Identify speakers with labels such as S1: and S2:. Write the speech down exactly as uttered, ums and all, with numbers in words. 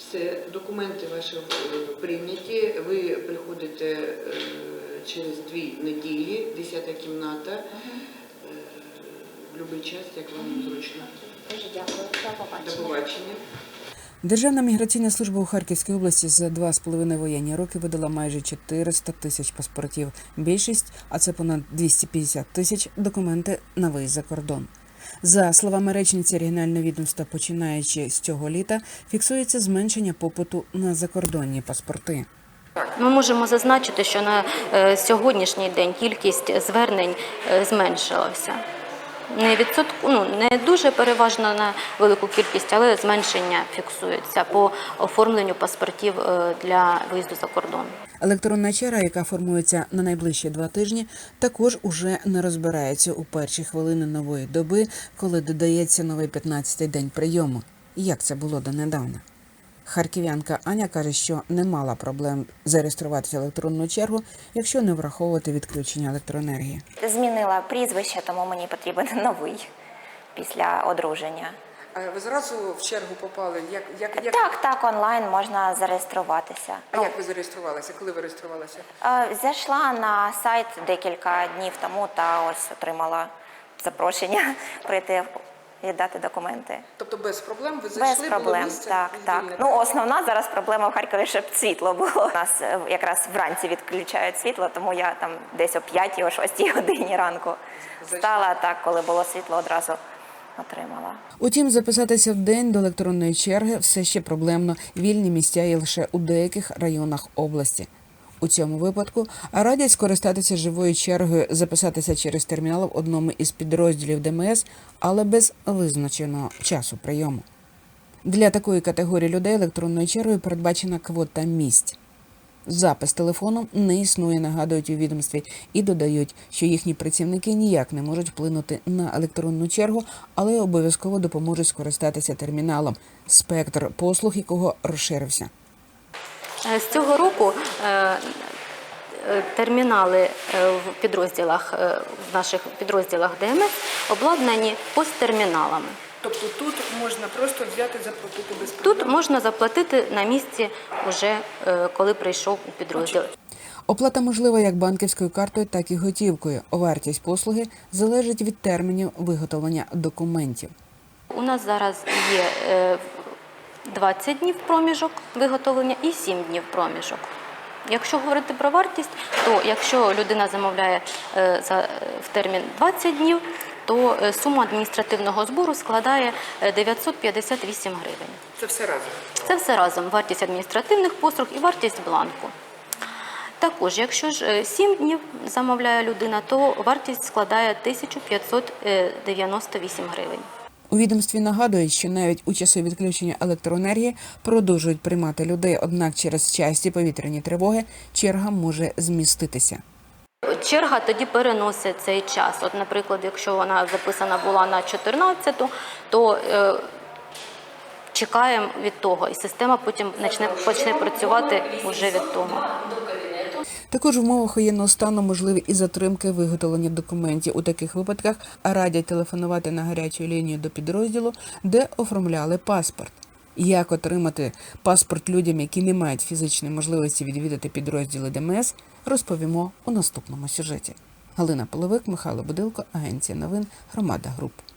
S1: Все, документи ваші прийняті, ви приходите через дві неділі, десята кімната, угу. В будь-який час, як вам зручно.
S2: Дуже дякую. До побачення.
S1: До побачення.
S3: Державна міграційна служба у Харківській області за два з половиною воєнні роки видала майже чотириста тисяч паспортів. Більшість, а це понад двісті п'ятдесят тисяч, документи на виїзд за кордон. За словами речниці регіонального відомства, починаючи з цього літа, фіксується зменшення попиту на закордонні паспорти.
S2: Ми можемо зазначити, що на сьогоднішній день кількість звернень зменшилася. Не відсотку, ну, не дуже переважно на велику кількість, але зменшення фіксується по оформленню паспортів для виїзду за кордон.
S3: Електронна черга, яка формується на найближчі два тижні, також уже не розбирається у перші хвилини нової доби, коли додається новий п'ятнадцятий день прийому. Як це було донедавна? Харків'янка Аня каже, що не мала проблем зареєструватися в електронну чергу, якщо не враховувати відключення електроенергії.
S4: Змінила прізвище, тому мені потрібен новий після одруження.
S1: А ви зразу в чергу попали? Як, як, як...
S4: Так, так, онлайн можна зареєструватися.
S1: А як ви зареєструвалися? Коли ви реєструвалися?
S4: Зайшла на сайт декілька днів тому та ось отримала запрошення прийти віддати документи.
S1: Тобто без проблем ви зайшли?
S4: Без проблем, так, так. Ну, основна зараз проблема в Харкові, щоб світло було. У нас якраз вранці відключають світло, тому я там десь о п'ятій, о шостій годині ранку встала, так, коли було світло, одразу отримала.
S3: Утім, записатися в день до електронної черги все ще проблемно. Вільні місця є лише у деяких районах області. У цьому випадку радять скористатися живою чергою, записатися через термінал в одному із підрозділів Де Ем Ес, але без визначеного часу прийому. Для такої категорії людей електронною чергою передбачена квота місць. Запис телефоном не існує, нагадують у відомстві, і додають, що їхні працівники ніяк не можуть вплинути на електронну чергу, але обов'язково допоможуть скористатися терміналом, спектр послуг якого розширився.
S2: З цього року термінали в підрозділах, в наших підрозділах Де Ем Ес обладнані посттерміналами.
S1: Тобто тут можна просто взяти, заплатити без проблем?
S2: Тут можна заплатити на місці, вже коли прийшов у підрозділ.
S3: Оплата можлива як банківською картою, так і готівкою. Вартість послуги залежить від термінів виготовлення документів.
S2: У нас зараз є двадцять днів проміжок виготовлення і сім днів проміжок. Якщо говорити про вартість, то якщо людина замовляє в термін двадцять днів, то сума адміністративного збору складає дев'ятсот п'ятдесят вісім гривень.
S1: Це все разом?
S2: Це все разом. Вартість адміністративних послуг і вартість бланку. Також, якщо ж сім днів замовляє людина, то вартість складає тисячу п'ятсот дев'яносто вісім гривень.
S3: У відомстві нагадують, що навіть у часи відключення електроенергії продовжують приймати людей, однак через часті повітряні тривоги черга може зміститися.
S2: Черга тоді переносить цей час. От, наприклад, якщо вона записана була на чотирнадцяту, то е, чекаємо від того, і система потім почне, почне працювати вже від того.
S3: Також в умовах воєнного стану можливі і затримки виготовлення документів. У таких випадках радять телефонувати на гарячу лінію до підрозділу, де оформляли паспорт. Як отримати паспорт людям, які не мають фізичної можливості відвідати підрозділи Де Ем Ес, розповімо у наступному сюжеті. Галина Половик, Михайло Будилко, Агенція новин, Громада Груп.